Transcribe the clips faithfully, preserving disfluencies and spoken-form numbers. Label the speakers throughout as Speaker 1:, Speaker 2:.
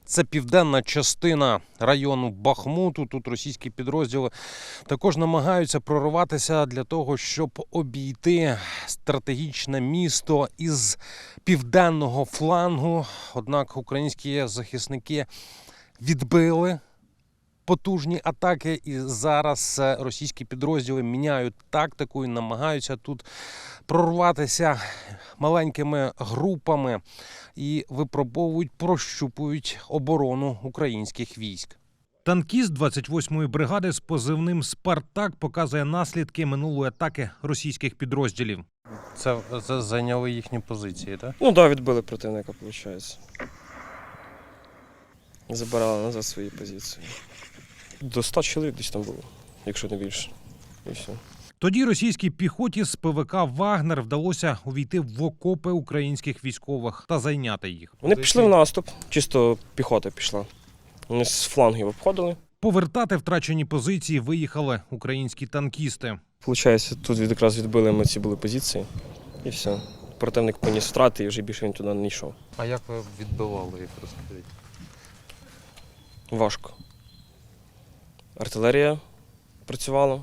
Speaker 1: Це південна частина району Бахмуту. Тут російські підрозділи також намагаються прорватися для того, щоб обійти стратегічне місто із південного флангу. Однак українські захисники відбили потужні атаки, і зараз російські підрозділи міняють тактику і намагаються тут прорватися маленькими групами і випробовують, прощупують оборону українських військ. Танкіст двадцять восьмої бригади з позивним «Спартак» показує наслідки минулої атаки російських підрозділів. Це, це зайняли їхні позиції, так?
Speaker 2: Ну так, да, відбили противника, виходить. Забирали назад свої позиції. До ста чоловік десь там було, якщо не більше. І все.
Speaker 1: Тоді російській піхоті з ПВК «Вагнер» вдалося увійти в окопи українських військових та зайняти їх.
Speaker 2: Вони пішли в наступ, чисто піхота пішла. Вони з флангів обходили.
Speaker 1: Повертати втрачені позиції виїхали українські танкісти.
Speaker 2: Получається, тут якраз відбили ми ці були позиції. І все. Противник поніс втрати і вже більше він туди не йшов.
Speaker 1: А як ви відбивали їх, розкажіть?
Speaker 2: Важко. Артилерія працювала.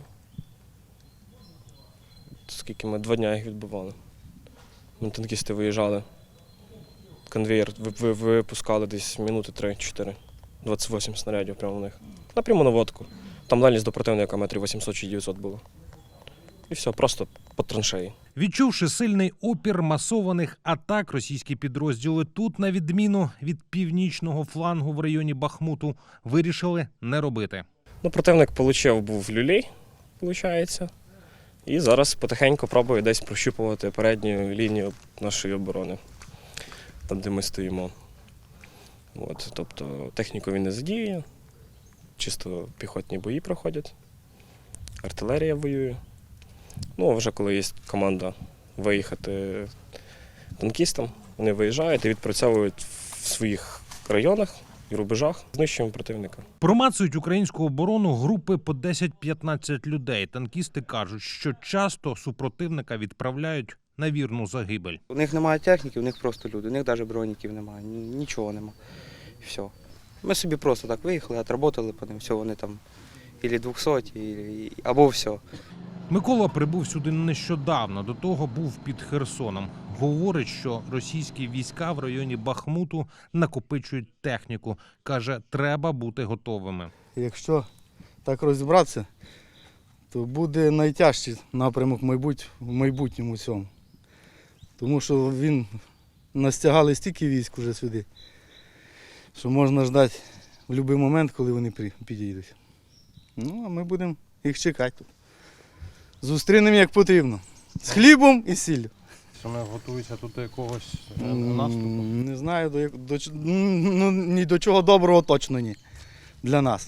Speaker 2: Скільки ми два дні їх відбивали. Ми танкісти виїжджали. Конвеєр випускали десь минути три-чотири. двадцять вісім снарядів прямо в них. Напряму наводку. Там дальність до противника метрів вісімсот чи дев'ятсот було. І все, просто по траншеї.
Speaker 1: Відчувши сильний опір масованих атак, російські підрозділи тут, на відміну від північного флангу в районі Бахмуту, вирішили не робити.
Speaker 2: Ну, противник отримав був люлей, виходить. І зараз потихеньку пробує десь прощупувати передню лінію нашої оборони, там, де ми стоїмо. От, тобто техніку він не задіює, чисто піхотні бої проходять, артилерія воює. Ну, а вже коли є команда виїхати танкістам, вони виїжджають і відпрацьовують в своїх районах і рубежах, знищуємо противника.
Speaker 1: Промацують українську оборону групи по десять-п'ятнадцять людей. Танкісти кажуть, що часто супротивника відправляють на вірну загибель.
Speaker 3: У них немає техніки, у них просто люди, у них навіть броніків немає, нічого немає. І все. Ми собі просто так виїхали, отработали по ним, все, вони там або двохсоті, або все.
Speaker 1: Микола прибув сюди нещодавно, до того був під Херсоном. Говорить, що російські війська в районі Бахмуту накопичують техніку. Каже, треба бути готовими.
Speaker 4: Якщо так розібратися, то буде найтяжчий напрямок в майбутньому цьому. Тому що він настягали стільки військ уже сюди, що можна ждати в будь-який момент, коли вони підійдуть. Ну, а ми будемо їх чекати тут. Зустрінемо як потрібно. З хлібом і сіллю.
Speaker 1: Що ми готуються тут до якогось наступу?
Speaker 4: Не знаю, до, до, ну, ні до чого доброго точно ні. Для нас.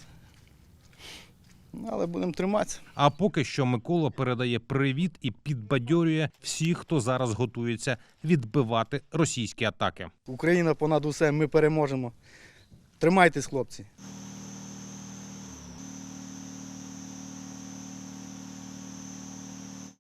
Speaker 4: Але будемо триматися.
Speaker 1: А поки що Микола передає привіт і підбадьорює всіх, хто зараз готується відбивати російські атаки.
Speaker 4: Україна понад усе, ми переможемо. Тримайтесь, хлопці.